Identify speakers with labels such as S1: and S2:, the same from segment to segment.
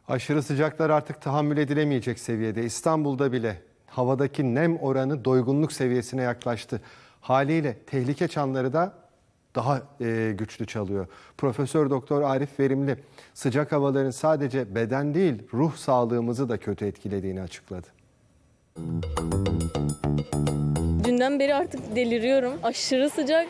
S1: Aşırı sıcaklar artık tahammül edilemeyecek seviyede. İstanbul'da bile havadaki nem oranı doygunluk seviyesine yaklaştı. Haliyle tehlike çanları da daha güçlü çalıyor. Profesör Doktor Arif Verimli sıcak havaların sadece beden değil ruh sağlığımızı da kötü etkilediğini açıkladı.
S2: Dünden beri artık deliriyorum. Aşırı sıcak.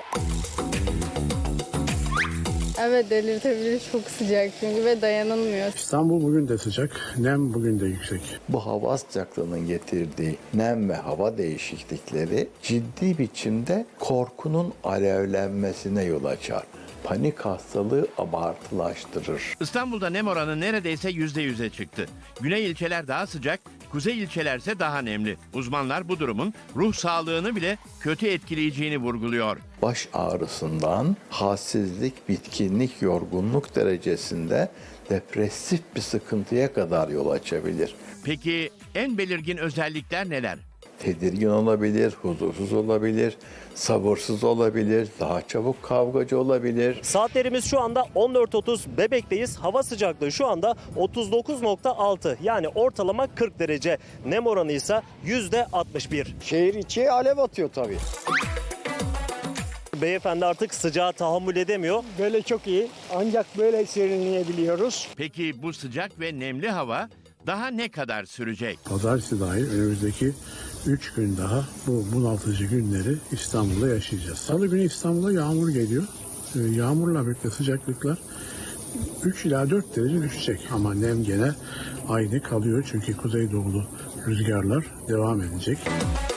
S3: Evet, delirtebilir, çok sıcak çünkü ve dayanılmıyor.
S4: İstanbul bugün de sıcak, nem bugün de yüksek.
S5: Bu hava sıcaklığının getirdiği nem ve hava değişiklikleri ciddi biçimde korkunun alevlenmesine yol açar. Panik hastalığı abartılaştırır.
S6: İstanbul'da nem oranı neredeyse %100'e çıktı. Güney ilçeler daha sıcak, kuzey ilçelerse daha nemli. Uzmanlar bu durumun ruh sağlığını bile kötü etkileyeceğini vurguluyor.
S5: Baş ağrısından halsizlik, bitkinlik, yorgunluk derecesinde depresif bir sıkıntıya kadar yol açabilir.
S6: Peki en belirgin özellikler neler?
S5: Tedirgin olabilir, huzursuz olabilir, sabırsız olabilir, daha çabuk kavgacı olabilir.
S7: Saatlerimiz şu anda 14.30, Bebek'teyiz. Hava sıcaklığı şu anda 39.6, yani ortalama 40 derece. Nem oranı ise %61.
S8: Şehir içi alev atıyor tabii.
S7: Beyefendi artık sıcağa tahammül edemiyor.
S8: Böyle çok iyi. Ancak böyle serinleyebiliyoruz.
S6: Peki bu sıcak ve nemli hava daha ne kadar sürecek?
S4: Pazartesi dahil önümüzdeki 3 gün daha bu bunaltıcı günleri İstanbul'da yaşayacağız. Salı günü İstanbul'a yağmur geliyor. Yağmurla birlikte sıcaklıklar 3 ila 4 derece düşecek. Ama nem gene aynı kalıyor çünkü kuzeydoğulu rüzgarlar devam edecek.